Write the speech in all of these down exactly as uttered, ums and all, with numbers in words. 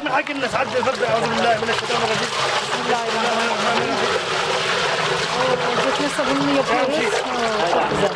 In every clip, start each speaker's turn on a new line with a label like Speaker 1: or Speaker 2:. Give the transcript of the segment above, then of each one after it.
Speaker 1: من حق الناس عد الفرد اعوذ بالله من الشيطان الرجيم.
Speaker 2: Bismillahirrahmanirrahim. Oo, defne sabununu yapıyoruz. Oo, çok güzel.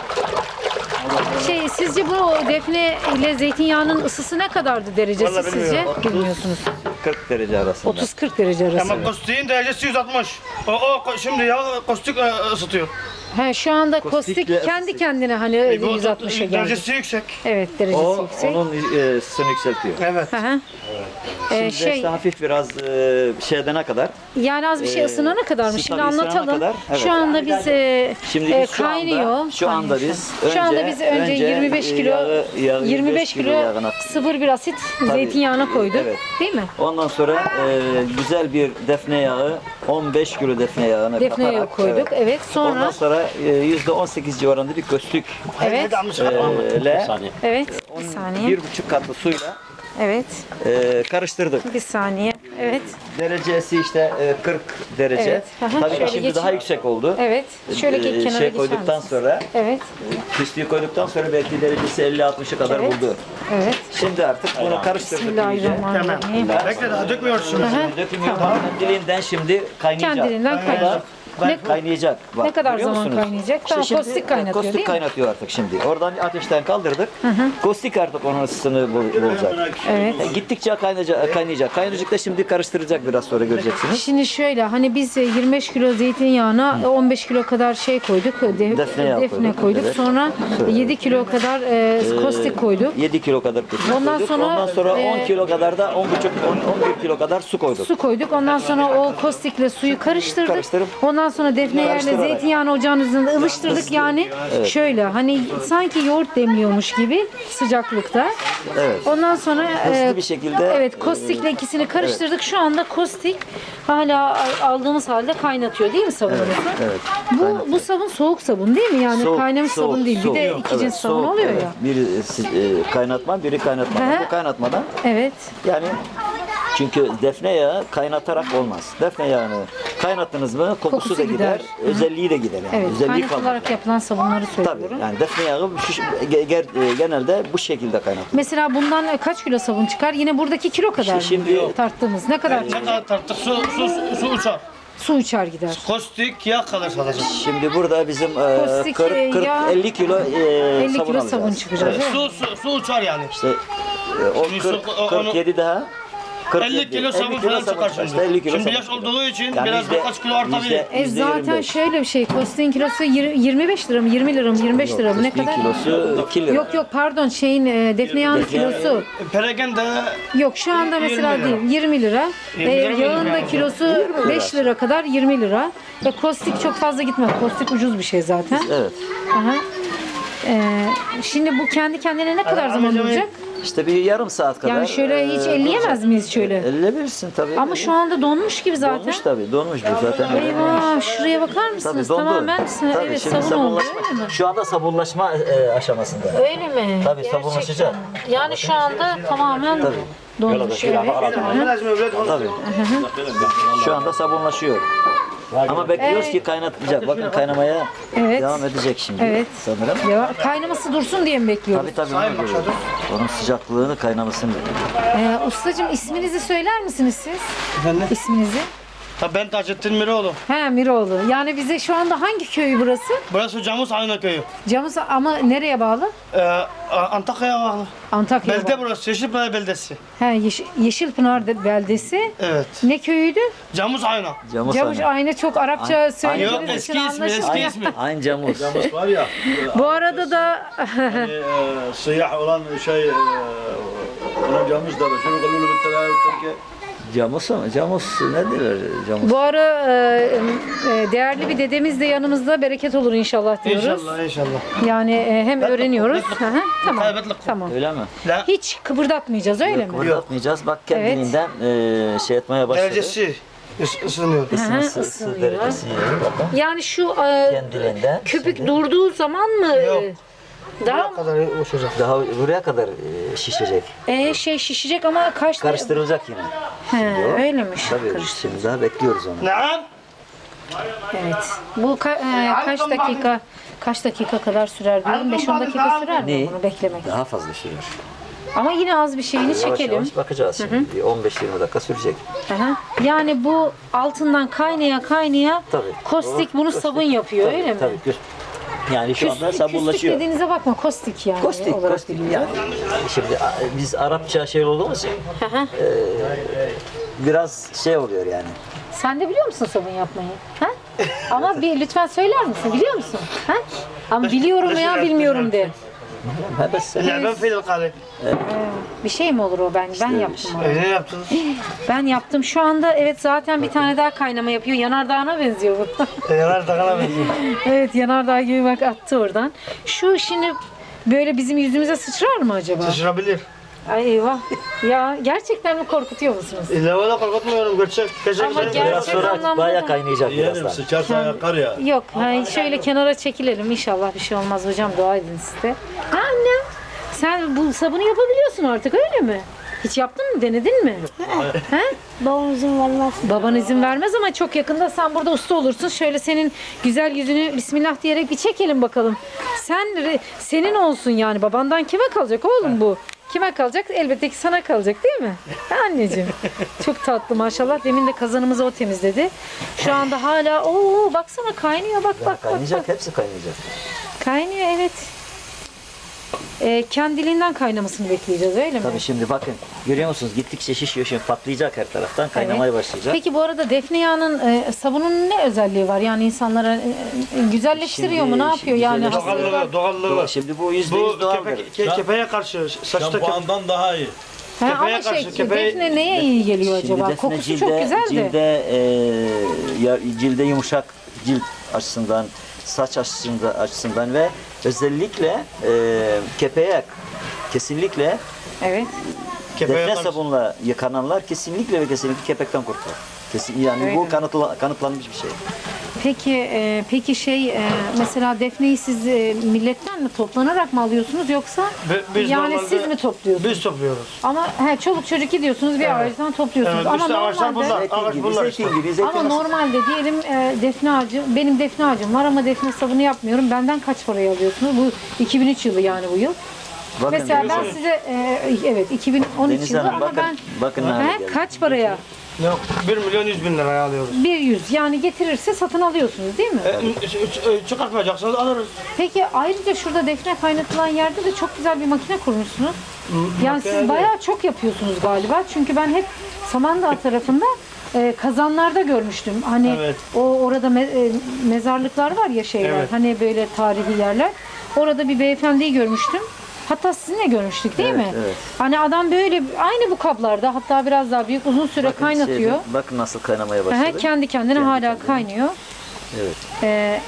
Speaker 2: Şey, sizce bu defne ile zeytinyağının ısısı ne kadardı derecesi
Speaker 1: Vallahi
Speaker 2: sizce?
Speaker 1: bilmiyorum.
Speaker 2: Bilmiyorsunuz.
Speaker 3: kırk derece arasında.
Speaker 2: otuz kırk derece arası.
Speaker 1: Ama kostiğin derecesi yüz altmış. O, o şimdi ya kostik e, ısıtıyor.
Speaker 2: He, şu anda kostik
Speaker 3: Kostikle
Speaker 2: kendi
Speaker 3: ısıtıyor.
Speaker 2: kendine hani
Speaker 1: E, bu
Speaker 2: yüz altmışa geldi.
Speaker 1: derecesi yüksek.
Speaker 2: Evet, derecesi
Speaker 3: O
Speaker 2: yüksek.
Speaker 3: onun e, ısısını yükseltiyor.
Speaker 1: Evet.
Speaker 2: Hı hı. Ee,
Speaker 3: Şimdi
Speaker 2: şey,
Speaker 3: işte hafif biraz e, şey edene kadar.
Speaker 2: yani az bir şey
Speaker 3: Ee,
Speaker 2: ısınana kadar mı? Şimdi
Speaker 3: tabii ısınana
Speaker 2: anlatalım.
Speaker 3: kadar, evet.
Speaker 2: Şu anda biz e,
Speaker 3: Şimdi
Speaker 2: e,
Speaker 3: biz şu
Speaker 2: kaynıyor.
Speaker 3: anda, şu anda
Speaker 2: Kaynıyor
Speaker 3: biz
Speaker 2: şu an. Şu anda
Speaker 3: önce-
Speaker 2: biz önce,
Speaker 3: önce
Speaker 2: yirmi beş kilo
Speaker 3: yağı- yağı
Speaker 2: yirmi beş kilo
Speaker 3: yağına-
Speaker 2: sıfır bir asit zeytinyağına koyduk.
Speaker 3: Evet.
Speaker 2: Değil mi?
Speaker 3: Ondan sonra e, güzel bir defne yağı, on beş kilo defne yağını
Speaker 2: Defne yağı
Speaker 3: katarak,
Speaker 2: koyduk. Evet.
Speaker 3: Ondan
Speaker 2: Sonra
Speaker 3: sonra e, yüzde on sekiz civarında bir köstük
Speaker 2: evet.
Speaker 3: e, ile
Speaker 2: Evet. Bir
Speaker 3: on-
Speaker 2: saniye.
Speaker 3: bir buçuk katlı suyla
Speaker 2: Evet.
Speaker 3: e, karıştırdık.
Speaker 2: Bir saniye. Evet.
Speaker 3: Derecesi işte e, kırk derece.
Speaker 2: Evet. Aha,
Speaker 3: Tabii
Speaker 2: şöyle
Speaker 3: ki şimdi
Speaker 2: geçin.
Speaker 3: daha yüksek oldu.
Speaker 2: Evet. Şöyle
Speaker 3: E,
Speaker 2: geç kenara
Speaker 3: şey
Speaker 2: geçer
Speaker 3: koyduktan
Speaker 2: misin?
Speaker 3: sonra,
Speaker 2: Evet.
Speaker 3: küstüğü koyduktan sonra belki derecesi elli altmışa kadar
Speaker 2: Evet.
Speaker 3: buldu.
Speaker 2: Evet.
Speaker 3: Şimdi artık bunu karıştırdık iyice.
Speaker 2: Bismillahirrahmanirrahim.
Speaker 1: Bekle daha dökmüyoruz şimdi.
Speaker 2: Aha,
Speaker 3: Dökülmüyor.
Speaker 2: tamam.
Speaker 3: Kendiliğinden şimdi kaynayacak.
Speaker 2: Kendiliğinden kaynayacak. Ne,
Speaker 3: Kaynayacak. Bak,
Speaker 2: ne kadar
Speaker 3: görüyor
Speaker 2: zaman
Speaker 3: musunuz?
Speaker 2: kaynayacak?
Speaker 3: İşte
Speaker 2: Tamam,
Speaker 3: şimdi,
Speaker 2: kostik kaynatıyor
Speaker 3: kostik
Speaker 2: değil mi?
Speaker 3: kaynatıyor artık şimdi. Oradan ateşten kaldırdık. Kostik artık onun ısısını bul- bulacak.
Speaker 2: Evet.
Speaker 3: E, Gittikçe kaynayacak, kaynayacak. Kaynayacak da şimdi karıştıracak biraz sonra göreceksiniz.
Speaker 2: Şimdi şöyle hani biz yirmi beş kilo zeytinyağına on beş kilo kadar şey koyduk. De,
Speaker 3: Defne yağı
Speaker 2: defne
Speaker 3: koyduk,
Speaker 2: koyduk.
Speaker 3: evet.
Speaker 2: Sonra yedi kilo kadar e, kostik koyduk.
Speaker 3: yedi kilo kadar kostik
Speaker 2: Ondan
Speaker 3: koyduk.
Speaker 2: sonra,
Speaker 3: Ondan sonra
Speaker 2: e,
Speaker 3: on kilo kadar da on buçuk on bir kilo kadar su koyduk.
Speaker 2: Su koyduk. Ondan sonra o kostikle suyu karıştırdık.
Speaker 3: Karıştırıp-
Speaker 2: Ondan sonra defne yağıyla
Speaker 3: Karıştırarak.
Speaker 2: zeytinyağını ocağın üzerinde ılıştırdık. Yani şöyle hani sanki yoğurt demliyormuş gibi sıcaklıkta.
Speaker 3: Evet.
Speaker 2: Ondan sonra
Speaker 3: Hızlı bir şekilde,
Speaker 2: evet kostikle ikisini karıştırdık. Şu anda kostik hala aldığımız halde kaynatıyor değil mi sabunumuzu?
Speaker 3: evet.
Speaker 2: Bu bu sabun soğuk sabun değil mi? Yani
Speaker 3: Soğuk,
Speaker 2: kaynamış
Speaker 3: soğuk,
Speaker 2: sabun değil.
Speaker 3: soğuk.
Speaker 2: Bir de iki
Speaker 3: Evet,
Speaker 2: cins sabun
Speaker 3: soğuk,
Speaker 2: oluyor
Speaker 3: evet.
Speaker 2: ya.
Speaker 3: Biri e, kaynatma, biri kaynatmadan.
Speaker 2: Hı hı.
Speaker 3: Bu kaynatmadan
Speaker 2: Evet.
Speaker 3: yani çünkü defne yağı kaynatarak olmaz. Defne yağını kaynattınız mı kokusu,
Speaker 2: Kokusu
Speaker 3: da gider,
Speaker 2: gider.
Speaker 3: özelliği de gider yani.
Speaker 2: Evet.
Speaker 3: Özelliği
Speaker 2: Kaynatılarak
Speaker 3: kalmaz.
Speaker 2: yapılan sabunları
Speaker 3: Tabii
Speaker 2: söylüyorum.
Speaker 3: yani defne yağı şu- ge- ge- genelde bu şekilde kaynatılır.
Speaker 2: Mesela bundan kaç kilo sabun çıkar? Yine buradaki kilo kadar mı?
Speaker 3: şimdi-
Speaker 2: tarttığımız ne kadar
Speaker 1: Ne
Speaker 2: çıkar?
Speaker 1: kadar tarttık? Su, su, su, su uçar.
Speaker 2: Su uçar gider.
Speaker 1: Kostik yağ kalır sadece.
Speaker 3: Şimdi burada bizim e,
Speaker 2: Kostik,
Speaker 3: kırk kırk
Speaker 2: yağ-
Speaker 3: elli kilo e,
Speaker 2: elli
Speaker 3: sabun
Speaker 2: kilo
Speaker 3: alacağız.
Speaker 2: sabun çıkacak.
Speaker 3: Evet.
Speaker 2: Evet.
Speaker 1: Su, su, su uçar yani.
Speaker 3: İşte e, o
Speaker 1: Şimdi
Speaker 3: kırk,
Speaker 1: su- o-
Speaker 3: kırk yedi daha kırk
Speaker 1: elli
Speaker 3: yedi,
Speaker 1: kilo sabun
Speaker 3: kilo
Speaker 1: falan
Speaker 3: sabun
Speaker 1: çıkar
Speaker 3: çıkar.
Speaker 1: şimdi.
Speaker 3: İşte elli kilo
Speaker 1: Şimdi
Speaker 3: sabun
Speaker 1: yaş
Speaker 3: çıkar.
Speaker 1: olduğu için
Speaker 3: Yani
Speaker 1: biraz
Speaker 3: yüzde-
Speaker 1: birkaç kilo artabilir.
Speaker 3: yüzde-
Speaker 2: E
Speaker 3: yüzde
Speaker 2: zaten
Speaker 3: yirmi beş.
Speaker 2: şöyle bir şey. Kostiğin kilosu yir- yirmi beş lira mı? yirmi lira mı? yirmi beş lira mı? Ne
Speaker 3: Kostik
Speaker 2: kadar?
Speaker 3: kilosu iki lira.
Speaker 2: Yok yok pardon şeyin e, defne yağının
Speaker 3: Defne yağı-
Speaker 2: kilosu.
Speaker 1: Peregen de
Speaker 2: Yok şu anda mesela
Speaker 1: yirmi lira.
Speaker 2: değil yirmi lira.
Speaker 1: yirmi
Speaker 2: E,
Speaker 1: lira,
Speaker 2: yağın
Speaker 1: yirmi
Speaker 2: da
Speaker 1: lira.
Speaker 2: kilosu beş lira kadar yirmi lira. Ve kostik çok fazla gitmez. Kostik ucuz bir şey zaten.
Speaker 3: Evet.
Speaker 2: Aha. E, şimdi bu kendi kendine ne kadar zaman
Speaker 1: amcam-
Speaker 2: duracak?
Speaker 3: İşte bir yarım saat kadar.
Speaker 2: Yani şöyle hiç
Speaker 3: e,
Speaker 2: elleyemez miyiz şöyle?
Speaker 3: elleyebilirsin tabii.
Speaker 2: Ama şu anda donmuş gibi zaten.
Speaker 3: Donmuş tabii, donmuş bu zaten.
Speaker 2: Eyvah şuraya bakar
Speaker 3: Tabii
Speaker 2: mısınız?
Speaker 3: dondu.
Speaker 2: Tamamen
Speaker 3: Tabii,
Speaker 2: evet
Speaker 3: şimdi
Speaker 2: sabun oldu
Speaker 3: sabunlaşma-
Speaker 2: öyle mi?
Speaker 3: Şu anda sabunlaşma e, aşamasında.
Speaker 2: Öyle mi?
Speaker 3: Tabii,
Speaker 2: Gerçekten.
Speaker 3: sabunlaşacak.
Speaker 2: Yani şu anda tamamen donmuş. Evet.
Speaker 3: Tabii. Şu anda sabunlaşıyor. Ama bekliyoruz
Speaker 2: Evet.
Speaker 3: ki kaynatacak. Bakın kaynamaya
Speaker 2: Evet.
Speaker 3: devam edecek şimdi
Speaker 2: Evet.
Speaker 3: sanırım.
Speaker 2: Ya, kaynaması dursun diye mi bekliyoruz?
Speaker 3: Tabii tabii onu görüyoruz. Onun sıcaklığını kaynamasını bekliyoruz.
Speaker 2: Ee, ustacığım isminizi söyler misiniz siz?
Speaker 1: Efendim?
Speaker 2: İsminizi?
Speaker 1: Ha, ben Taceddin Miroğlu.
Speaker 2: He Miroğlu. Yani bize şu anda hangi köy burası?
Speaker 1: Burası Camus Ayna Köyü.
Speaker 2: Camus ama nereye bağlı?
Speaker 1: Ee, Antakya'ya bağlı.
Speaker 2: Antakya'ya
Speaker 1: Belde
Speaker 2: bağlı.
Speaker 1: burası. Yeşilpınar Beldesi.
Speaker 2: He Yeş- Yeşilpınar de- beldesi.
Speaker 1: Evet.
Speaker 2: Ne köyüydü?
Speaker 1: Camus Ayna.
Speaker 3: Camus
Speaker 2: Camus
Speaker 3: aynı.
Speaker 2: aynı çok Arapça
Speaker 3: Aynı-
Speaker 1: Yok
Speaker 2: söylediğiniz
Speaker 1: eski
Speaker 2: için
Speaker 1: ismi, eski
Speaker 2: anlaşılmıyor.
Speaker 1: ismi.
Speaker 3: Aynı Camus.
Speaker 4: Camus var ya,
Speaker 2: Bu arada da
Speaker 4: hani, e, siyah olan şey, e, ona Camus derler. Şunu kalulu bir tane Türkiye.
Speaker 3: Camus mu? Camus ne diyorlar? Camus.
Speaker 2: bu ara e, e, değerli bir dedemiz de yanımızda bereket olur inşallah diyoruz.
Speaker 1: İnşallah inşallah.
Speaker 2: Yani e, hem öğreniyoruz. Hı hı, tamam.
Speaker 1: Kaybetlik.
Speaker 2: Tamam.
Speaker 3: Öyle mi?
Speaker 1: La
Speaker 2: Hiç kıpırdatmayacağız öyle mi?
Speaker 3: Kıpırdatmayacağız. Bak kendiliğinden e, şey etmeye başladı.
Speaker 1: derecesi ıs- ısınıyor.
Speaker 3: Isınsı,
Speaker 2: Hı hı,
Speaker 3: ısı
Speaker 2: ısınıyor.
Speaker 3: derecesi yiyor. Bakın.
Speaker 2: Yani şu e,
Speaker 3: Kendiliğinden.
Speaker 2: köpük
Speaker 3: şimdi
Speaker 2: durduğu zaman mı e,
Speaker 1: Yok.
Speaker 2: daha
Speaker 1: Ne kadar uçacak.
Speaker 3: daha buraya kadar e, şişecek.
Speaker 2: e, şey şişecek ama kaç
Speaker 3: Karıştırılacak yine.
Speaker 2: He,
Speaker 3: o.
Speaker 2: öylemiş.
Speaker 3: Tabii
Speaker 2: Karıştır.
Speaker 3: şimdi daha bekliyoruz onu.
Speaker 1: Naam.
Speaker 2: Evet. Bu ka- e, kaç dakika kaç dakika kadar sürer diyorum? beş on dakika sürer mi
Speaker 3: Ne?
Speaker 2: bunu beklemek?
Speaker 3: Daha fazla sürer.
Speaker 2: Ama yine az bir şeyini
Speaker 3: Yavaş
Speaker 2: çekelim.
Speaker 3: yavaş bakacağız şimdi. Bir on beş yirmi dakika sürecek.
Speaker 2: Aha. Yani bu altından kaynaya kaynaya
Speaker 3: Tabii.
Speaker 2: kostik bunu
Speaker 3: Kostik.
Speaker 2: sabun yapıyor
Speaker 3: Tabii,
Speaker 2: öyle mi?
Speaker 3: tabii. Küs- Yani şu anda
Speaker 2: Küslük, küslük
Speaker 3: sabunlaşıyor.
Speaker 2: dediğinize bakma kostik yani.
Speaker 3: Kostik,
Speaker 2: olarak
Speaker 3: kostik
Speaker 2: biliyor.
Speaker 3: yani. Şimdi a- biz Arapça şey olduğumuz için
Speaker 2: Aha.
Speaker 3: biraz şey oluyor yani.
Speaker 2: Sen de biliyor musun sabun yapmayı? Ha? Ama bir lütfen söyler misin? Biliyor musun? Ha? Ama biliyorum veya bilmiyorum de.
Speaker 3: Ha, bes-
Speaker 1: لعبة في القارب.
Speaker 2: Bir şey mi olur o ben? Ben yaptım onu.
Speaker 1: Ne yaptınız?
Speaker 2: Ben yaptım. Şu anda evet zaten bir tane daha kaynama yapıyor. Yanardağına benziyor bu.
Speaker 1: Yanar takana benziyor.
Speaker 2: Evet yanardağ gibi bak attı oradan. Şu şimdi böyle bizim yüzümüze sıçrar mı acaba?
Speaker 1: Sıçrabilir.
Speaker 2: Ay eyvah. Ya gerçekten mi korkutuyor musunuz?
Speaker 1: İlla valla korkutmuyorum gerçek. Gerçek.
Speaker 2: Ama
Speaker 1: gerçek.
Speaker 2: gerçek-
Speaker 3: Biraz sonra
Speaker 2: anlamda
Speaker 3: bayağı
Speaker 2: da-
Speaker 3: kaynayacak
Speaker 4: Yeğenim
Speaker 3: birazdan.
Speaker 4: sıçarsa yakar ya.
Speaker 2: Yok, hayır, şöyle kenara çekilelim. İnşallah bir şey olmaz hocam. Dua edin siz de. Ha annem, sen bu sabunu yapabiliyorsun artık öyle mi? Hiç yaptın mı? Denedin mi? He?
Speaker 5: Babam izin vermez.
Speaker 2: Baban izin vermez ama çok yakında sen burada usta olursun. Şöyle senin güzel yüzünü Bismillah diyerek bir çekelim bakalım. Sen senin olsun yani. Babandan kime kalacak oğlum bu? Kime kalacak? Elbette ki sana kalacak değil mi? Ha, anneciğim. Çok tatlı maşallah. Demin de kazanımızı o temizledi. Şu anda hala ooo baksana kaynıyor bak bak bak.
Speaker 3: Kaynayacak,
Speaker 2: bak.
Speaker 3: hepsi kaynayacak.
Speaker 2: Kaynıyor evet. Ee, kendiliğinden kaynamasını bekleyeceğiz öyle mi?
Speaker 3: Tabii şimdi bakın görüyor musunuz gittikçe şişiyor şimdi patlayacak her taraftan kaynamaya başlayacak.
Speaker 2: Peki bu arada defne yağının e, sabunun ne özelliği var? Yani insanlara e, e, güzelleştiriyor
Speaker 3: Şimdi-
Speaker 2: mu? Ne yapıyor yani?
Speaker 3: güzelleştiriyor.
Speaker 2: Hastalığı var.
Speaker 1: Doğallığı, doğallığı var.
Speaker 3: Şimdi bu yüzde
Speaker 1: Bu
Speaker 3: yüz doğaldır.
Speaker 1: kepe, ke, kepeğe karşı saçta kepe.
Speaker 4: Şampuandan daha iyi.
Speaker 2: Ha, ama
Speaker 1: kepeğe
Speaker 2: şey
Speaker 1: karşı, kepeğe-
Speaker 2: defne neye iyi geliyor
Speaker 3: Şimdi
Speaker 2: acaba?
Speaker 3: defne
Speaker 2: Kokusu
Speaker 3: cilde,
Speaker 2: çok güzel de.
Speaker 3: cilde, e, ya- cilde yumuşak cilt açısından, saç açısından, açısından ve özellikle e, kepeğe kesinlikle
Speaker 2: Evet.
Speaker 1: Kepeğe
Speaker 3: defne
Speaker 1: karşı.
Speaker 3: sabunla yıkananlar kesinlikle ve kesinlikle kepekten kurtulur. Kesin, yani
Speaker 2: Öyle
Speaker 3: bu
Speaker 2: mi?
Speaker 3: kanıtla, kanıtlanmış bir şey.
Speaker 2: Peki e, peki şey e, mesela defneyi siz e, milletten mi toplanarak mı alıyorsunuz yoksa
Speaker 1: Bi- biz
Speaker 2: yani
Speaker 1: normalde-
Speaker 2: siz mi topluyorsunuz?
Speaker 1: Biz topluyoruz.
Speaker 2: Ama he, çoluk çocuk gidiyorsunuz bir ağaçtan topluyorsunuz.
Speaker 1: Evet,
Speaker 2: Ama
Speaker 1: işte ağaçlar
Speaker 2: normalde
Speaker 1: bunlar.
Speaker 3: Zeytin
Speaker 1: Ağaç
Speaker 3: gibi,
Speaker 1: bunlar
Speaker 3: zeytin
Speaker 1: işte.
Speaker 3: gibi, zeytin
Speaker 2: ama
Speaker 3: nasıl-
Speaker 2: normalde diyelim e, defne ağacı, benim defne ağacım var ama defne sabunu yapmıyorum. Benden kaç paraya alıyorsunuz? Bu iki bin üç yılı yani bu yıl.
Speaker 3: Bakın,
Speaker 2: Mesela ben
Speaker 3: Deniz-
Speaker 2: size e, evet iki bin on üç
Speaker 3: Deniz
Speaker 2: yılı
Speaker 3: Hanım,
Speaker 2: ama
Speaker 3: bakın-
Speaker 2: ben
Speaker 3: bakın ne hale
Speaker 2: He,
Speaker 3: geldi.
Speaker 2: kaç paraya?
Speaker 1: Yok, bir milyon yüz bin liraya alıyoruz.
Speaker 2: bir yüz yani getirirse satın alıyorsunuz değil mi?
Speaker 1: E, ç- ç- e, çıkartmayacaksınız alırız.
Speaker 2: Peki ayrıca şurada defne kaynatılan yerde de çok güzel bir makine kurmuşsunuz. Yani
Speaker 1: makine
Speaker 2: siz
Speaker 1: değil.
Speaker 2: bayağı çok yapıyorsunuz galiba. Çünkü ben hep Samandağ tarafında e, kazanlarda görmüştüm. Hani
Speaker 1: Evet.
Speaker 2: o orada me- e, mezarlıklar var ya şeyler.
Speaker 1: Evet.
Speaker 2: Hani böyle tarihi yerler. Orada bir beyefendiyi görmüştüm. Hatta sizinle görmüştük değil
Speaker 3: Evet,
Speaker 2: mi?
Speaker 3: evet.
Speaker 2: Hani adam böyle aynı bu kablarda hatta biraz daha büyük uzun süre
Speaker 3: Bakın
Speaker 2: kaynatıyor.
Speaker 3: şeyde, bakın nasıl kaynamaya
Speaker 2: Aha,
Speaker 3: başladı.
Speaker 2: kendi kendine
Speaker 3: Kendi
Speaker 2: hala
Speaker 3: kendine.
Speaker 2: kaynıyor.
Speaker 3: Evet.
Speaker 2: Ee,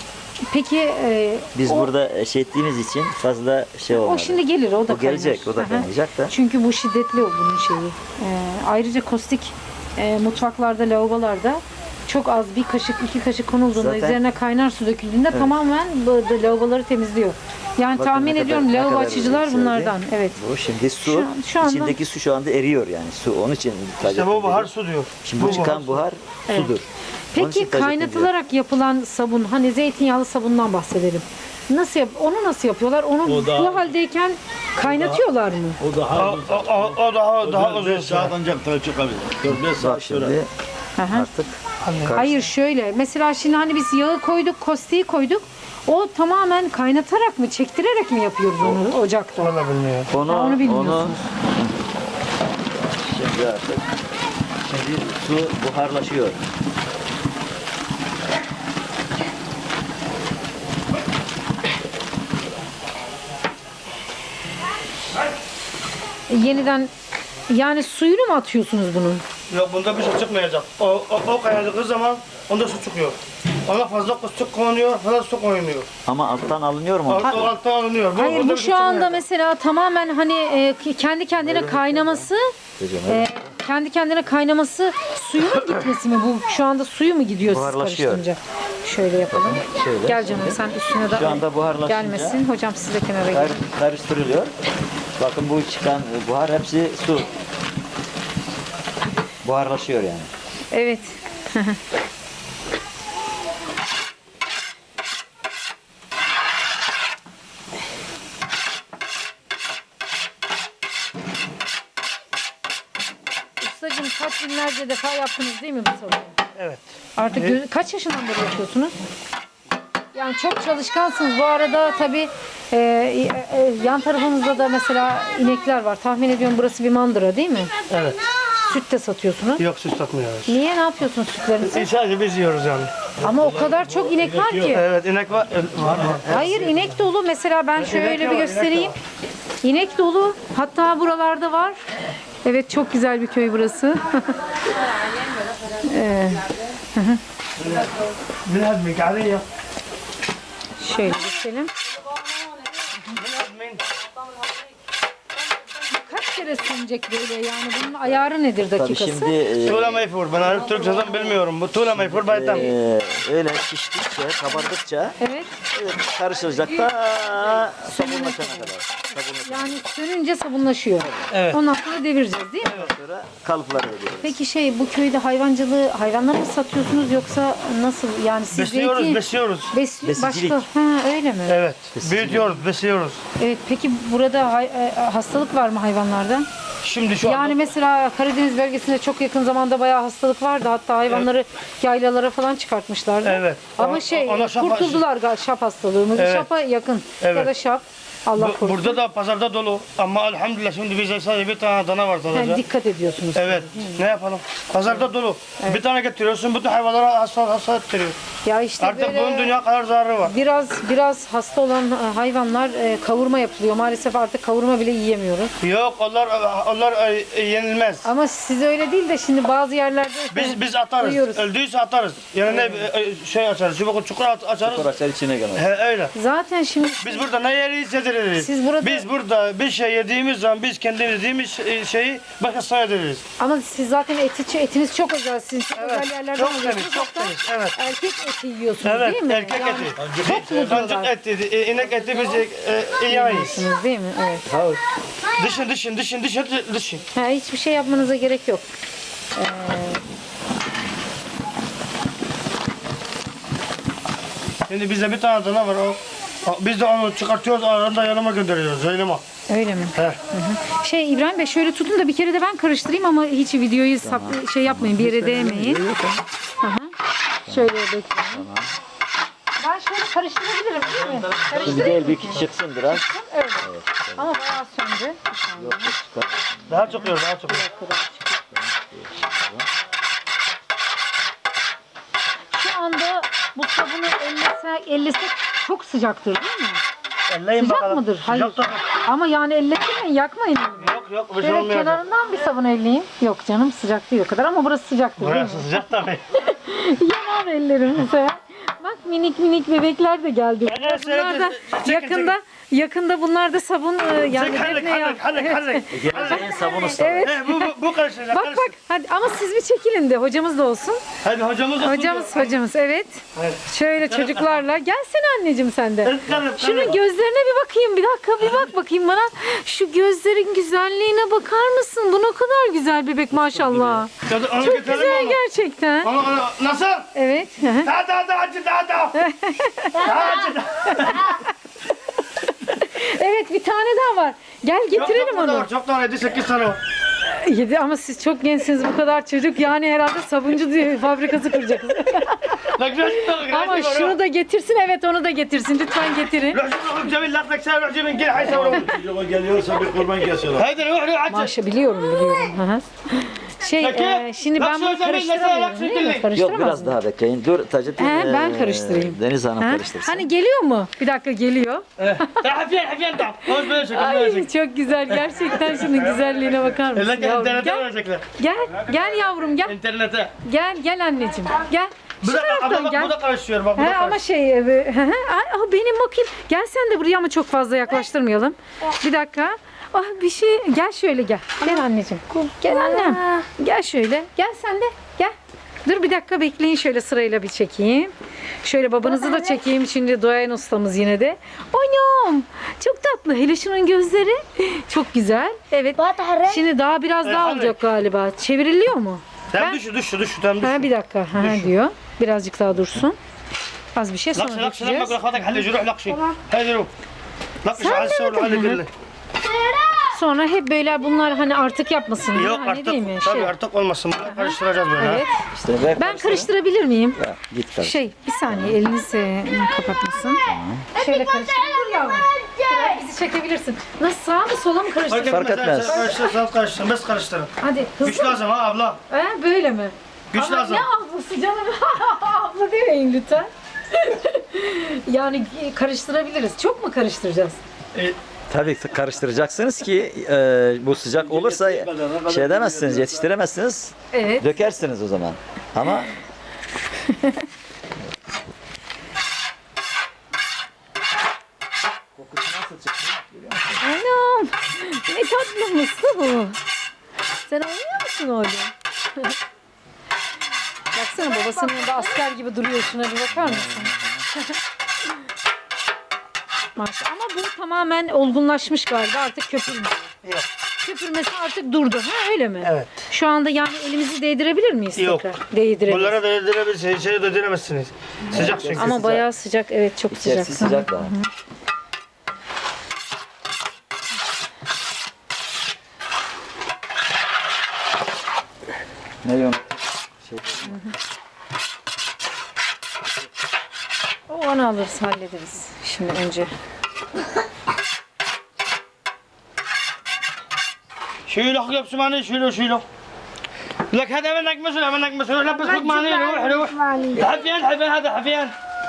Speaker 2: peki e,
Speaker 3: Biz
Speaker 2: o,
Speaker 3: burada şey ettiğimiz için fazla şey olmadı.
Speaker 2: o şimdi gelir o da
Speaker 3: O gelecek,
Speaker 2: kaynar.
Speaker 3: o da
Speaker 2: Aha.
Speaker 3: kaynayacak da.
Speaker 2: Çünkü bu şiddetli o bunun şeyi. Ee, ayrıca kostik e, mutfaklarda, lavabolarda çok az bir kaşık, iki kaşık konulduğunda
Speaker 3: Zaten-
Speaker 2: üzerine kaynar su döküldüğünde tamamen bu bu lavaboları temizliyor. Yani
Speaker 3: Bakın
Speaker 2: tahmin
Speaker 3: ne
Speaker 2: ediyorum
Speaker 3: kadar- ne
Speaker 2: lavabo
Speaker 3: kadar
Speaker 2: açıcılar
Speaker 3: yükseldi.
Speaker 2: bunlardan. Evet.
Speaker 3: Bu şimdi su,
Speaker 2: Şu an- şu anda-
Speaker 3: içindeki su şu anda eriyor yani. Su onun için ithal
Speaker 1: İşte bu
Speaker 3: edildi.
Speaker 1: buhar su diyor.
Speaker 3: Şimdi bu çıkan buhar sudur. Onun için
Speaker 2: Peki
Speaker 3: ithal edildi.
Speaker 2: kaynatılarak yapılan sabun, hani zeytinyağlı sabundan bahsedelim. Nasıl yap onu nasıl yapıyorlar? Onu
Speaker 4: O da-
Speaker 2: bu haldeyken kaynatıyorlar mı?
Speaker 4: O daha
Speaker 1: O, o, o, o daha daha uzun
Speaker 4: beş saat
Speaker 1: süre.
Speaker 4: ancak da çıkabilir. dört beş
Speaker 3: Bak
Speaker 4: saat
Speaker 3: şimdi
Speaker 4: sürer.
Speaker 2: Aha.
Speaker 3: artık
Speaker 2: Hayır şöyle. Mesela şimdi hani biz yağı koyduk, kostiği koyduk. O tamamen kaynatarak mı, çektirerek mi yapıyoruz onu ocakta?
Speaker 1: Valla bilmiyorum.
Speaker 3: onu,
Speaker 2: Ha, onu
Speaker 3: onu,
Speaker 2: bilmiyorsunuz.
Speaker 3: şimdi artık şimdi su buharlaşıyor.
Speaker 2: Yeniden yani suyunu mu atıyorsunuz bunun?
Speaker 1: Yok bunda bir şey çıkmayacak. O, o, o kaynadığı zaman onda su çıkıyor. Ona fazla su konuyor, fazla su koymuyor.
Speaker 3: Ama alttan alınıyor mu?
Speaker 1: O, o alttan alınıyor. Bu,
Speaker 2: Hayır
Speaker 1: bunda
Speaker 2: bu
Speaker 1: bir
Speaker 2: şu
Speaker 1: şey
Speaker 2: anda
Speaker 1: çıkmayacak.
Speaker 2: mesela tamamen hani e, kendi kendine kaynaması,
Speaker 3: Hocam,
Speaker 2: e, kendi kendine kaynaması suyu mu gitmesi mi? Bu şu anda suyu mu gidiyor siz
Speaker 3: Buharlaşıyor.
Speaker 2: karıştırınca? Şöyle yapalım.
Speaker 3: Şöyle.
Speaker 2: Gel canım sen üstüne de
Speaker 3: Şu anda buharlaşınca-
Speaker 2: gelmesin. Hocam siz de kenara
Speaker 3: Kar-
Speaker 2: gelin.
Speaker 3: karıştırılıyor. Bakın bu çıkan buhar hepsi su. Buharlaşıyor yani.
Speaker 2: Evet. kaç binlerce defa yaptınız değil mi bu sabunu?
Speaker 1: Evet.
Speaker 2: Artık gö- kaç yaşından beri yapıyorsunuz? Yani çok çalışkansınız. Bu arada tabii e, e, yan tarafınızda da mesela inekler var. Tahmin ediyorum burası bir mandıra değil mi?
Speaker 1: Evet.
Speaker 2: Süt de satıyorsunuz.
Speaker 1: Yok süt satmıyoruz.
Speaker 2: Niye, ne yapıyorsunuz sütlerinizi?
Speaker 1: Sadece biz yiyoruz yani.
Speaker 2: Ama o kadar çok inek var ki.
Speaker 1: Evet inek var. Var var.
Speaker 2: Hayır, inek dolu. Mesela ben şöyle bir
Speaker 1: yok, inek
Speaker 2: göstereyim.
Speaker 1: yok.
Speaker 2: İnek dolu. Hatta buralarda var. Evet, çok güzel bir köy burası. Ee,
Speaker 1: بالهدمي عليا
Speaker 2: şöyle gösterelim.
Speaker 1: بالهدمي
Speaker 2: Kaç kere sönecek böyle, yani bunun ayarı nedir
Speaker 3: Tabii
Speaker 2: dakikası?
Speaker 3: şimdi e,
Speaker 1: tuğla mayfur. Ben Arap Türkçe zaten bilmiyorum. Bu tuğla mayfur baytam.
Speaker 3: e, öyle piştikçe, kabardıkça
Speaker 2: Evet.
Speaker 3: evet, karışılacak da sabunlaşana kadar. Sabunlaşana
Speaker 2: Yani sönünce sabunlaşıyor.
Speaker 1: Evet.
Speaker 2: Ondan sonra devireceğiz değil mi?
Speaker 3: sonra kalıpları veriyoruz.
Speaker 2: Peki şey, bu köyde hayvancılığı, hayvanları mı satıyorsunuz yoksa nasıl? Yani siz
Speaker 1: Besliyoruz,
Speaker 2: zeytin-
Speaker 1: besliyoruz.
Speaker 2: Bes-
Speaker 3: Besicilik.
Speaker 2: başka, ha, öyle mi?
Speaker 1: Evet. Büyütüyoruz, besliyoruz.
Speaker 2: Evet, peki burada hay- e, hastalık var mı hayvanlarda?
Speaker 1: Şimdi şu
Speaker 2: Yani
Speaker 1: anda
Speaker 2: mesela Karadeniz bölgesinde çok yakın zamanda bayağı hastalık vardı. Hatta hayvanları yaylalara falan çıkartmışlardı.
Speaker 1: Evet.
Speaker 2: Ama
Speaker 1: Ona-
Speaker 2: şey,
Speaker 1: ona şap-
Speaker 2: kurtuldular galiba şap hastalığı mı?
Speaker 1: Evet.
Speaker 2: Şapa yakın.
Speaker 1: Evet.
Speaker 2: Ya da şap. Allah
Speaker 1: bu-
Speaker 2: korusun.
Speaker 1: burada da pazarda dolu. Ama elhamdülillah şimdi bize sadece bir tane dana var
Speaker 2: Yani
Speaker 1: sadece.
Speaker 2: dikkat ediyorsunuz.
Speaker 1: Evet. Ne yapalım? Pazarda dolu. Bir tane getiriyorsun, bütün hayvanlara hasta hasta ettiriyor.
Speaker 2: Ya işte
Speaker 1: Artık
Speaker 2: böyle
Speaker 1: bunun dünya kadar zararı var.
Speaker 2: biraz biraz hasta olan e, hayvanlar e, kavurma yapılıyor. Maalesef artık kavurma bile yiyemiyoruz.
Speaker 1: Yok, onlar onlar e, yenilmez.
Speaker 2: Ama size öyle değil de şimdi bazı yerlerde
Speaker 1: Biz biz atarız.
Speaker 2: duyuyoruz.
Speaker 1: Öldüyse atarız. Yani ne e, şey açarız. Çubuk çukur at- açarız.
Speaker 3: Koraklar içine gelmez.
Speaker 1: He, öyle.
Speaker 2: Zaten şimdi
Speaker 1: Biz burada ne yeriyiz yediririz.
Speaker 2: Siz burada-
Speaker 1: Biz burada bir şey yediğimiz zaman biz kendi yediğimiz e, şeyi başkasına yediririz.
Speaker 2: ama siz zaten eti, etiniz çok özel. Siz çok
Speaker 1: Evet,
Speaker 2: özel yerlerden
Speaker 1: çok
Speaker 2: alıyorsunuz.
Speaker 1: temiz, çok
Speaker 2: Hatta
Speaker 1: temiz, evet.
Speaker 2: erkek eti yiyorsunuz
Speaker 1: Evet,
Speaker 2: değil mi?
Speaker 1: erkek
Speaker 2: Yani
Speaker 1: eti.
Speaker 2: Çok mu
Speaker 1: Kancık
Speaker 2: diyorlar?
Speaker 1: eti, e, inek eti biz e, e, yemeyiz.
Speaker 2: Yiyorsunuz değil mi? Evet.
Speaker 1: Dışın, dışın, dışın, dışın, dışın.
Speaker 2: Ha, hiçbir şey yapmanıza gerek yok.
Speaker 1: Şimdi bizde bir tane dana var o. o- Biz de onu çıkartıyoruz, aranda yanıma gönderiyoruz, yanıma.
Speaker 2: Öyle mi?
Speaker 1: He.
Speaker 2: Şey İbrahim Bey, şöyle tutun da bir kere de ben karıştırayım ama hiç videoyu sap, şey yapmayın, bir yere değmeyin. Hı hı. Şöyle bekleyin. Ben şöyle karıştırabilirim değil mi?
Speaker 3: Şimdi
Speaker 2: Karıştırayım
Speaker 3: değil
Speaker 2: mı?
Speaker 3: bir çıksın biraz.
Speaker 2: Öyle. Ama bayağı söndü.
Speaker 3: Yok yok çıkar.
Speaker 1: Daha çok yiyor, daha çok yiyor.
Speaker 2: Şu anda bu sabunu ellesek, ellesek çok sıcaktır değil mi?
Speaker 1: Elleyin
Speaker 2: Sıcak
Speaker 1: bakalım.
Speaker 2: mıdır? Hayır.
Speaker 1: Sıcak tabii.
Speaker 2: Şey, Ama yani elletmeyin, yakmayın elimi.
Speaker 1: Yok yok, bir şey
Speaker 2: Şöyle
Speaker 1: olmuyor.
Speaker 2: kenarından bir sabun elleyeyim. Yok canım, sıcak değil o kadar ama burası sıcaktır değil mi?
Speaker 1: Burası sıcak tabii.
Speaker 2: Yanar ellerim mesela. Bak minik minik bebekler de geldi.
Speaker 1: Evet,
Speaker 2: Bunlar da
Speaker 1: evet, çekin,
Speaker 2: yakında yakında bunlar da sabun e, yani
Speaker 1: Çek, hallik,
Speaker 2: defne ya.
Speaker 1: hallik, hallik, hallik.
Speaker 3: Geleceğin sabun ustaları.
Speaker 2: Evet.
Speaker 1: He, bu, bu, bu karışacak,
Speaker 2: Bak
Speaker 1: karışacak.
Speaker 2: bak hadi ama siz bir çekilin de hocamız da olsun.
Speaker 1: Hadi hocamız olsun.
Speaker 2: Hocamız hocamız evet.
Speaker 1: Evet.
Speaker 2: Şöyle çocuklarla. Gelsene anneciğim sen de.
Speaker 1: Evet, evet,
Speaker 2: Şunun
Speaker 1: evet.
Speaker 2: gözlerine bir bakayım. Bir dakika bir bak bakayım bana. Şu gözlerin güzelliğine bakar mısın? Bu ne kadar güzel bebek maşallah.
Speaker 1: Onu
Speaker 2: Çok
Speaker 1: getirelim
Speaker 2: güzel
Speaker 1: onu.
Speaker 2: gerçekten.
Speaker 1: Onu, onu, nasıl?
Speaker 2: Evet. hı hı.
Speaker 1: Daha daha daha acı daha daha. Daha acı daha.
Speaker 2: Evet, bir tane daha var. Gel
Speaker 1: Çok,
Speaker 2: getirelim
Speaker 1: çok burada
Speaker 2: onu.
Speaker 1: var, çok daha yedi sekiz tane var.
Speaker 2: Yedi ama siz çok gençsiniz, bu kadar çocuk yani herhalde sabuncu diye fabrikası kuracaksınız.
Speaker 1: Bak rajim
Speaker 2: Ama şunu da getirsin, evet onu da getirsin, lütfen getirin.
Speaker 1: Rajim Cemil laflak sen Rajim'in gel hay savrum.
Speaker 4: Çocuğa geliyorsa bir kurban kesiyorlar.
Speaker 1: Haydi ruh ruh acı.
Speaker 2: Maşa biliyorum biliyorum. Hı hı. Şey
Speaker 1: Peki,
Speaker 2: e, şimdi ben
Speaker 1: bak
Speaker 2: bunu
Speaker 1: şu Cemil, mesela
Speaker 2: karıştıramıyorum
Speaker 1: bak
Speaker 2: değil
Speaker 1: şu
Speaker 2: mi?
Speaker 1: Cemil.
Speaker 3: Yok
Speaker 2: Karıştıramaz
Speaker 3: biraz
Speaker 2: mıyım?
Speaker 3: daha bekleyin. Dur Taceddin.
Speaker 2: He, ben
Speaker 3: eee,
Speaker 2: karıştırayım.
Speaker 3: Deniz Hanım
Speaker 2: Ha?
Speaker 3: karıştırsın.
Speaker 2: Hani geliyor mu? Bir dakika geliyor.
Speaker 1: Hafiyen hafiyen da. Hoş böyle şeker böyle
Speaker 2: Ay
Speaker 1: şeker.
Speaker 2: çok güzel gerçekten, şunun güzelliğine bakar mısın?
Speaker 1: Eller
Speaker 2: Yavrum,
Speaker 1: internete
Speaker 2: gel,
Speaker 1: verecekler.
Speaker 2: gel, gel yavrum gel.
Speaker 1: İnternete.
Speaker 2: Gel, gel anneciğim. Gel. Şu
Speaker 1: Bu da,
Speaker 2: taraftan
Speaker 1: bu da,
Speaker 2: gel.
Speaker 1: bu da karışıyor bak bu da
Speaker 2: He, ama
Speaker 1: karışıyor.
Speaker 2: şey, e, hı hı. Ay, ah, benim bakayım. Gel sen de buraya ama çok fazla yaklaştırmayalım. Bir dakika. Ah bir şey, gel şöyle gel. Gel anneciğim. Gel annem. Gel şöyle. Gel sen de. Gel. Dur bir dakika bekleyin, şöyle sırayla bir çekeyim. Şöyle babanızı da çekeyim şimdi, Doğayan ustamız yine de. Anam çok tatlı. Hele şunun gözleri çok güzel. Evet. Şimdi daha biraz daha
Speaker 1: hadi.
Speaker 2: olacak galiba. Çevriliyor mu?
Speaker 1: Tam düşü düşü düşü tam
Speaker 2: Ha,
Speaker 1: düşü.
Speaker 2: bir dakika ha, diyor. Birazcık daha dursun. Az bir şey
Speaker 1: لقش
Speaker 2: sonra
Speaker 1: لقش لما
Speaker 2: dökeceğiz.
Speaker 1: اقول اخواتك حل جروح لقشي هاي روح لقش
Speaker 2: Sen
Speaker 1: على
Speaker 2: de
Speaker 1: السور
Speaker 2: mi
Speaker 1: على
Speaker 2: dedin?
Speaker 1: قله
Speaker 2: Sonra hep böyle bunlar hani artık yapmasın diye,
Speaker 1: Yok
Speaker 2: hani
Speaker 1: artık,
Speaker 2: değil mi?
Speaker 1: tabii
Speaker 2: Şey.
Speaker 1: artık olmasın. Bunları karıştıracağız böyle.
Speaker 2: Evet.
Speaker 3: İşte ver
Speaker 2: Ben karıştırabilir miyim?
Speaker 3: Ya, git karış.
Speaker 2: Şey, bir saniye eliniz e, kapatmasın. Şöyle karıştır. Dur yavrum. Biraz bizi çekebilirsin. Nasıl, sağa mı sola mı karıştır?
Speaker 3: Fark etmez.
Speaker 1: Karıştırırsanız karıştırın. Biz karıştırın.
Speaker 2: Hadi hızlı.
Speaker 1: Güç lazım ha abla.
Speaker 2: He, böyle mi?
Speaker 1: Güç
Speaker 2: Ama
Speaker 1: lazım.
Speaker 2: ne ablası canım? Abla demeyin lütfen. Yani karıştırabiliriz. Çok mu karıştıracağız?
Speaker 1: E,
Speaker 3: Tabii karıştıracaksınız ki e, bu sıcak olursa şey edemezsiniz, yetiştiremezsiniz.
Speaker 2: Evet.
Speaker 3: Dökersiniz o zaman. Ama
Speaker 2: Anam. Ne tatlı mısın bu? Sen oynuyor musun orada? Baksana babasının yanında asker gibi duruyor. Şuna bir bakar mısın? Maşallah. Ama bu tamamen olgunlaşmış galiba. Artık köpürmüyor.
Speaker 1: Yok.
Speaker 2: Köpürmesi artık durdu. Ha öyle mi?
Speaker 1: Evet.
Speaker 2: Şu anda yani elimizi değdirebilir miyiz
Speaker 1: Yok.
Speaker 2: tekrar? Değdirebiliriz.
Speaker 1: Bunlara da yedirebilirsiniz, içeri de değdiremezsiniz. Sıcak çünkü.
Speaker 2: Ama bayağı sıcak. Evet, çok sıcak.
Speaker 3: içerisi sıcak daha. Ne diyorsun?
Speaker 2: O onu alırız, hallederiz. Şimdi önce.
Speaker 1: شيلوا حق بسماني شيلوا شيلوا لك هذا منك مسؤول منك مسؤول لبس حق ماني روح روح حفيان حفيان هذا حفيان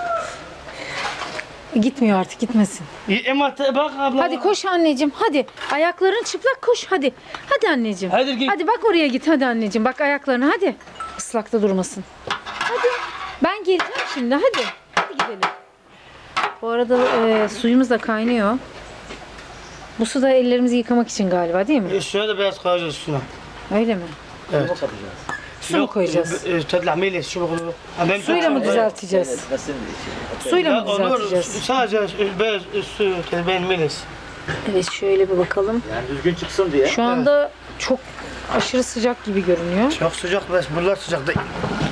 Speaker 2: Gitmiyor artık, gitmesin.
Speaker 1: اما بق abla.
Speaker 2: Hadi koş anneciğim, hadi. Ayakların çıplak, koş hadi. Hadi anneciğim.
Speaker 1: Hadi git.
Speaker 2: Hadi bak oraya git, hadi anneciğim. Bak ayaklarını, hadi. Islakta durmasın. Hadi. Ben geleceğim şimdi, hadi. Hadi gidelim. Bu arada e, suyumuz da kaynıyor. Bu su da ellerimizi yıkamak için galiba, değil mi?
Speaker 1: Üstüne de beyaz koyacağız üstüne.
Speaker 2: Öyle mi?
Speaker 1: Evet.
Speaker 2: Su mu koyacağız?
Speaker 1: تطلع ميلس شو بيقولوا Ben
Speaker 2: Suyla mı düzelteceğiz? Suyla mı düzelteceğiz?
Speaker 1: Sadece beyaz üstü ben milis.
Speaker 2: Evet, şöyle bir bakalım.
Speaker 3: Yani düzgün çıksın diye.
Speaker 2: Şu anda çok aşırı sıcak gibi görünüyor.
Speaker 1: Çok sıcak bes bunlar sıcak değil.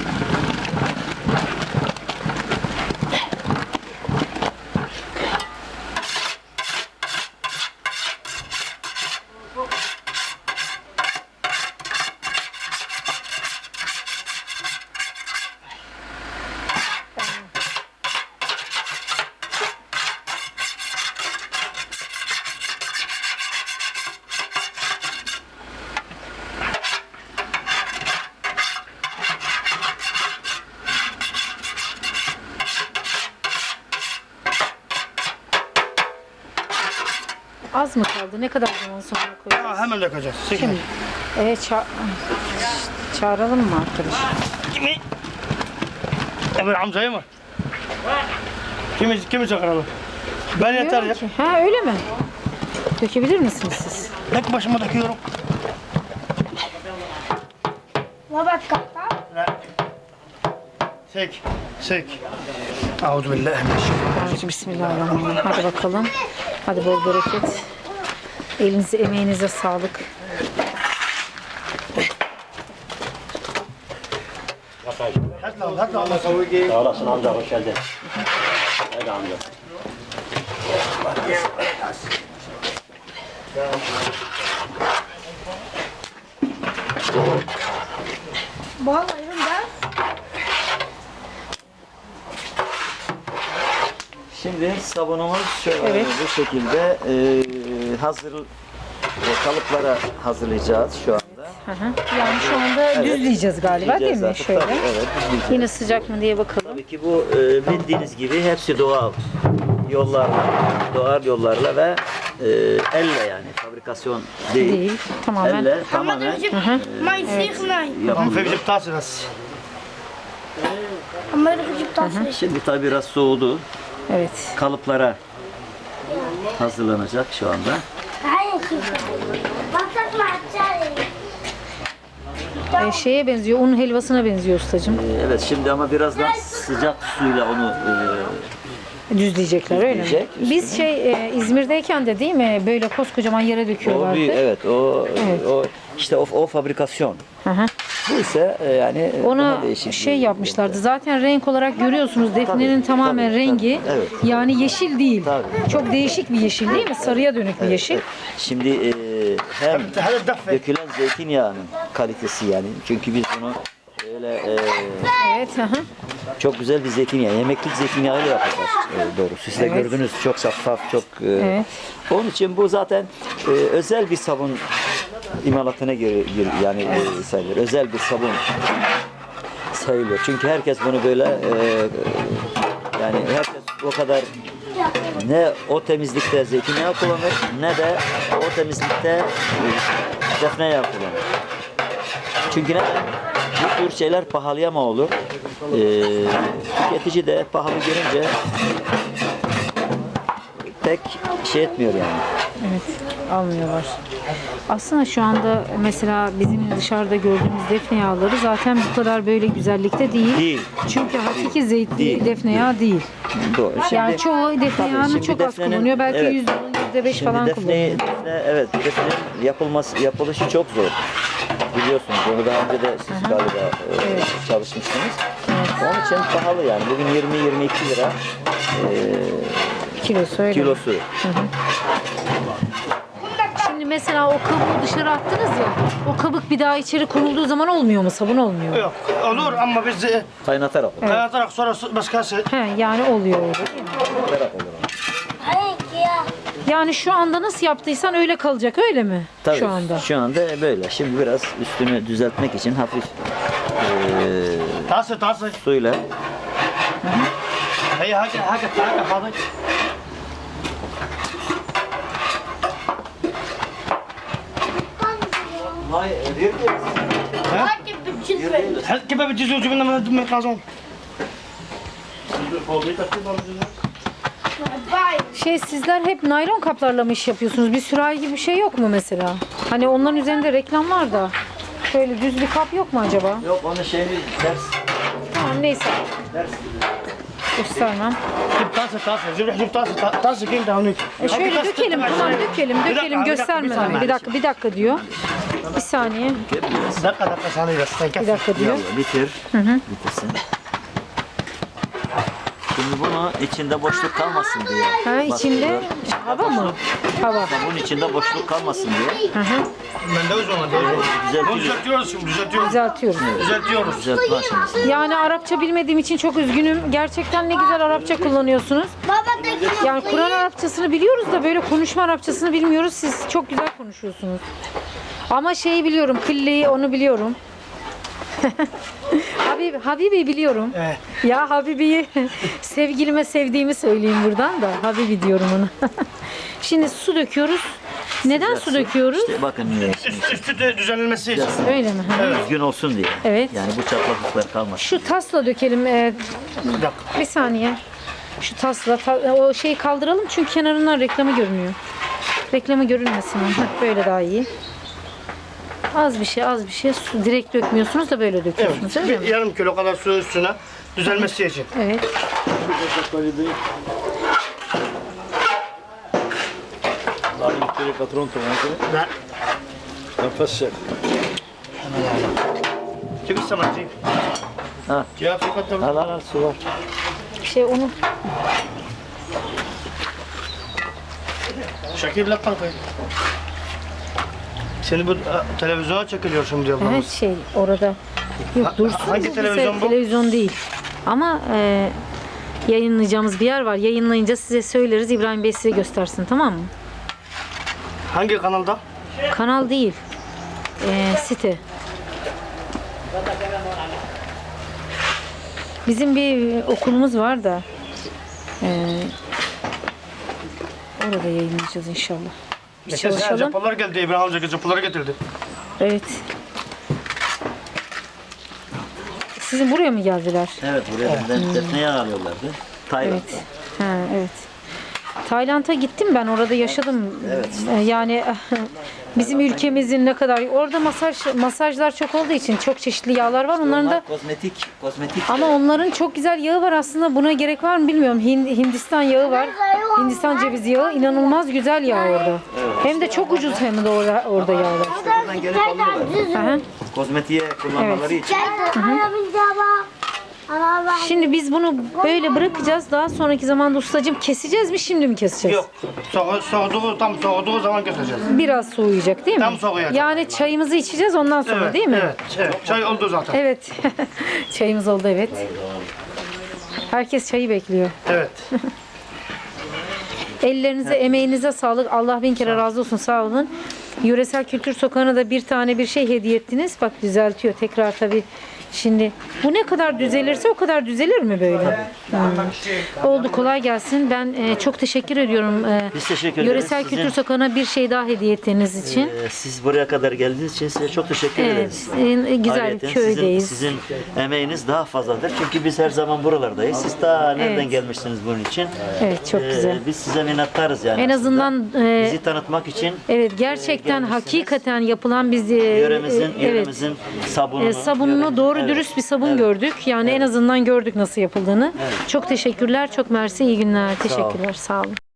Speaker 2: Az mı kaldı? Ne kadar zaman sonra koyacağız?
Speaker 1: Ha, hemen dökeceğiz.
Speaker 2: Şimdi. Evet, ça çağıralım mı arkadaş?
Speaker 1: Kimi? Emir amcayı mı? Kimi, kimi çağıralım? Ben yeter ya.
Speaker 2: Bilmiyorum ki. Ha öyle mi? Dökebilir misiniz siz?
Speaker 1: Tek başıma döküyorum. Sek, sek. Euzu billahi mineşşeytanirracim.
Speaker 2: Bismillahirrahmanirrahim. Hadi bakalım. Hadi bol bereket. Elinize, emeğinize sağlık.
Speaker 1: Hadi lan, hadi lan.
Speaker 5: Sağ olasın amca, hoş geldin. Hadi amca.
Speaker 3: Şimdi sabunumuz şöyle
Speaker 2: Evet.
Speaker 3: bu şekilde e, hazır e, kalıplara hazırlayacağız şu anda.
Speaker 2: Hı hı. Yani şu anda düzleyeceğiz galiba, değil mi?
Speaker 3: artık,
Speaker 2: Şöyle.
Speaker 3: tabii, evet, düzleyeceğiz.
Speaker 2: Yine sıcak mı diye bakalım.
Speaker 3: Tabii ki bu e, bildiğiniz gibi hepsi doğal yollarla, doğal yollarla ve e, elle yani fabrikasyon değil.
Speaker 2: Değil. Tamamen.
Speaker 3: Elle tamamen
Speaker 6: ما يصير هناي
Speaker 1: Ama
Speaker 3: yapılıyor.
Speaker 1: fevcip tası bas.
Speaker 6: اما يروح يجيب طاسه
Speaker 3: Şimdi tabii biraz soğudu.
Speaker 2: Evet.
Speaker 3: Kalıplara hazırlanacak şu anda.
Speaker 6: هاي كيف بطلت مع التالي
Speaker 2: Ee, şeye benziyor, un helvasına benziyor ustacığım.
Speaker 3: E, Evet şimdi ama biraz daha sıcak suyla onu e,
Speaker 2: Düzleyecekler öyle mi?
Speaker 3: Düzleyecek,
Speaker 2: Biz şey e, İzmir'deyken de değil mi böyle koskocaman yere
Speaker 3: o
Speaker 2: döküyorlardı.
Speaker 3: bir evet o
Speaker 2: Evet.
Speaker 3: o işte o, o fabrikasyon.
Speaker 2: Hı hı.
Speaker 3: Bu ise e, yani
Speaker 2: Ona
Speaker 3: daha değişik
Speaker 2: şey
Speaker 3: bir-
Speaker 2: yapmışlardı. Zaten renk olarak görüyorsunuz defnenin
Speaker 3: Tabii,
Speaker 2: tamamen
Speaker 3: tabii,
Speaker 2: rengi.
Speaker 3: tabii, evet.
Speaker 2: Yani yeşil değil.
Speaker 3: Tabii.
Speaker 2: Çok değişik bir yeşil değil mi? Sarıya dönük bir yeşil.
Speaker 3: Evet. Şimdi e, hem
Speaker 1: هذا الدفة
Speaker 3: dökülen zeytinyağının kalitesi yani. Çünkü biz bunu öyle e,
Speaker 2: Evet. Hı hı.
Speaker 3: çok güzel bir zeytinyağı, yemeklik zeytinyağıyla yapacağız e, doğrusu. Siz de
Speaker 2: Evet.
Speaker 3: gördünüz çok şeffaf, çok e,
Speaker 2: Evet.
Speaker 3: onun için bu zaten e, özel bir sabun imalatına göre gir- yani e, sayılır. Özel bir sabun sayılıyor. Çünkü herkes bunu böyle e, yani herkes o kadar ne o temizlikte zeytinyağı kullanır ne de o temizlikte e, defne yağı kullanır. Çünkü neden? Bu tür şeyler pahalıya mı olur? Ee, tüketici de pahalı görünce pek şey etmiyor yani.
Speaker 2: Evet, almıyorlar. Aslında şu anda mesela bizim dışarıda gördüğümüz defne yağları zaten bu kadar böyle güzellikte değil.
Speaker 3: Değil.
Speaker 2: Çünkü hakiki zeytin
Speaker 3: Değil,
Speaker 2: defne yağı değil.
Speaker 3: Doğru. Şimdi,
Speaker 2: Yani çoğu defne
Speaker 3: tabii,
Speaker 2: yağını
Speaker 3: şimdi
Speaker 2: çok az
Speaker 3: defnenin-
Speaker 2: kullanıyor. Belki
Speaker 3: evet.
Speaker 2: yüzde yüzde beş
Speaker 3: Şimdi
Speaker 2: falan
Speaker 3: defne,
Speaker 2: kullanıyor.
Speaker 3: defne, evet, defnenin yapılması, yapılışı çok zor. Biliyorsunuz onu daha önce de siz galiba e, çalışmışsınız. Onun için pahalı yani. Bugün yirmi yirmi iki lira e,
Speaker 2: Kilosu öyle.
Speaker 3: kilosu.
Speaker 2: Şimdi mesela o kabuğu dışarı attınız ya. O kabuk bir daha içeri konulduğu zaman olmuyor mu? Sabun olmuyor mu?
Speaker 1: Yok olur ama biz e,
Speaker 3: Kaynatarak olur.
Speaker 1: kaynatarak sonra su- başkası
Speaker 2: He, yani oluyor öyle değil mi?
Speaker 3: Kaynatarak olur.
Speaker 2: Yani şu anda nasıl yaptıysan öyle kalacak öyle mi?
Speaker 3: Tabii,
Speaker 2: Şu anda.
Speaker 3: Şu anda böyle. Şimdi biraz üstünü düzeltmek için hafif eee
Speaker 1: تاسي تاسي
Speaker 3: suyla
Speaker 1: هي حاجة حاجة حاجة فاضي هل كيف بتجيزوا جبنا من من القازون
Speaker 2: Şey sizler hep naylon kaplarla mı iş yapıyorsunuz? Bir sürahi gibi bir şey yok mu mesela? Hani onların üzerinde reklam var da. Şöyle düz bir kap yok mu acaba?
Speaker 3: yok onun şeyini ters
Speaker 2: Tamam neyse.
Speaker 3: ters
Speaker 2: Göstermem.
Speaker 1: جيب طاسة طاسة جيب روح جيب طاسة طاسة كنت هونيك
Speaker 2: E şöyle dökelim tamam dökelim dökelim göstermeden. Bir dakika bir dakika diyor. Bir saniye.
Speaker 1: دقة دقة ثانية بس
Speaker 2: Bir
Speaker 1: تكفي
Speaker 2: dakika diyor.
Speaker 3: Yavru, bitir. Bitirsin. Şimdi bunu içinde boşluk kalmasın diye.
Speaker 2: Ha içinde hava mı? Hava.
Speaker 3: Bunun içinde boşluk kalmasın diye.
Speaker 2: Hı hı.
Speaker 1: مندوز ومندوز
Speaker 3: Düzeltiyoruz.
Speaker 1: düzeltiyoruz şimdi düzeltiyoruz
Speaker 2: Düzeltiyoruz.
Speaker 1: düzeltiyoruz
Speaker 3: Düzeltme aşaması.
Speaker 2: Yani Arapça bilmediğim için çok üzgünüm. Gerçekten ne güzel Arapça kullanıyorsunuz.
Speaker 6: Baba da
Speaker 2: Yani Kur'an Arapçasını biliyoruz da böyle konuşma Arapçasını bilmiyoruz. Siz çok güzel konuşuyorsunuz. Ama şeyi biliyorum, kılleyi onu biliyorum. Habib, Habibi biliyorum.
Speaker 1: Evet.
Speaker 2: Ya Habibi'yi sevgilime sevdiğimi söyleyeyim buradan da. Habibi diyorum ona. Şimdi su döküyoruz. Neden su döküyoruz?
Speaker 3: İşte bakın
Speaker 1: Üst, üstü de düzenlenmesi için.
Speaker 2: Öyle mi? Hı.
Speaker 3: düzgün olsun diye.
Speaker 2: Evet.
Speaker 3: Yani bu çatlaklıklar kalmasın.
Speaker 2: Şu tasla dökelim. Ee,
Speaker 1: Bir dakika.
Speaker 2: bir saniye. Şu tasla ta- o şeyi kaldıralım çünkü kenarından reklamı görünüyor. Reklamı görünmesin. Heh, böyle daha iyi. Az bir şey, az bir şey. Su direkt dökmüyorsunuz da böyle döküyorsunuz.
Speaker 1: Evet.
Speaker 2: Öyle
Speaker 1: Bir
Speaker 2: mi?
Speaker 1: yarım kilo kadar su üstüne düzelmesi için.
Speaker 2: Evet.
Speaker 4: Allora nishtarika pronto anche.
Speaker 1: لا
Speaker 4: نفسك.
Speaker 1: جيب السمك جيب.
Speaker 3: Ha.
Speaker 1: يا في قدم.
Speaker 3: Al al al su var.
Speaker 2: Şey onu
Speaker 1: Şakir la kalkayım. Seni bu a, televizyona çekiliyor şimdi
Speaker 2: evet
Speaker 1: ablamız.
Speaker 2: şey orada. Yok
Speaker 1: Ha-
Speaker 2: dursun.
Speaker 1: hangi
Speaker 2: bu
Speaker 1: televizyon
Speaker 2: bize-
Speaker 1: bu?
Speaker 2: Televizyon değil. Ama e, yayınlayacağımız bir yer var. Yayınlayınca size söyleriz. İbrahim Bey size göstersin tamam mı?
Speaker 1: Hangi kanalda?
Speaker 2: Kanal değil. E, site. Bizim bir okulumuz var da e, orada yayınlayacağız inşallah. Bir
Speaker 1: Geçen sene
Speaker 2: çalışalım.
Speaker 1: Japonlar geldi. İbrahim Hoca Japonları getirdi.
Speaker 2: Evet. Sizin buraya mı geldiler?
Speaker 3: Evet buraya bizden defne yağı alıyorlardı. Tayvan.
Speaker 2: Evet. Ha, evet. Tayland'a gittim ben orada yaşadım. Ee, Yani bizim ülkemizin ne kadar orada masaj masajlar çok olduğu için çok çeşitli yağlar var. Onların da
Speaker 3: Onlar kozmetik, kozmetik.
Speaker 2: ama onların çok güzel yağı var aslında. Buna gerek var mı bilmiyorum. Hin- Hindistan yağı var. Hindistan cevizi yağı inanılmaz güzel yağ orada. Hem de çok ucuz hem de orada orada yağlar.
Speaker 3: Buradan gelip alıyorlar.
Speaker 2: Aha.
Speaker 3: Kozmetiğe kullanmaları için.
Speaker 6: Ayabileceğim. Ama ben
Speaker 2: Şimdi biz bunu böyle bırakacağız. Daha sonraki zamanda ustacığım keseceğiz mi, şimdi mi keseceğiz?
Speaker 1: Yok. Soğu, soğuduğu, tam soğuduğu zaman keseceğiz.
Speaker 2: Biraz soğuyacak değil mi?
Speaker 1: Tam soğuyacak.
Speaker 2: Yani çayımızı içeceğiz ondan sonra
Speaker 1: Evet,
Speaker 2: değil mi?
Speaker 1: Evet, evet. Çay oldu zaten.
Speaker 2: Evet. Çayımız oldu, evet. Herkes çayı bekliyor.
Speaker 1: Evet.
Speaker 2: Ellerinize, emeğinize sağlık. Allah bin kere razı olsun. Sağ olun. Yöresel Kültür Sokağı'na da bir tane bir şey hediye ettiniz. Bak düzeltiyor. Tekrar tabii. Şimdi bu ne kadar düzelirse o kadar düzelir mi böyle? Hmm. Oldu, kolay gelsin. Ben e, çok teşekkür ediyorum. E,
Speaker 3: Biz teşekkür ederiz.
Speaker 2: Yöresel
Speaker 3: Sizin-
Speaker 2: Kültür Sokağı'na bir şey daha hediye ettiğiniz için.
Speaker 3: Ee, Siz buraya kadar geldiğiniz için size çok teşekkür
Speaker 2: Evet,
Speaker 3: ederiz.
Speaker 2: e, güzel
Speaker 3: Ayrıyeten
Speaker 2: köydeyiz.
Speaker 3: Sizin, sizin emeğiniz daha fazladır. Çünkü biz her zaman buralardayız. Siz ta nereden
Speaker 2: Evet.
Speaker 3: gelmişsiniz bunun için?
Speaker 2: Evet, çok
Speaker 3: Ee,
Speaker 2: güzel.
Speaker 3: Biz size minnettarız yani.
Speaker 2: En
Speaker 3: aslında.
Speaker 2: azından e,
Speaker 3: bizi tanıtmak için
Speaker 2: evet, gerçekten
Speaker 3: gelmişsiniz.
Speaker 2: hakikaten yapılan biz e,
Speaker 3: yöremizin,
Speaker 2: e, evet.
Speaker 3: yöremizin sabununu,
Speaker 2: E, sabununu
Speaker 3: yöremizin-
Speaker 2: doğru
Speaker 3: evet.
Speaker 2: dürüst bir sabun
Speaker 3: Evet.
Speaker 2: gördük. Yani en azından gördük nasıl yapıldığını. Çok teşekkürler, çok mersi, iyi günler.
Speaker 3: olun.
Speaker 2: Teşekkürler, sağ olun.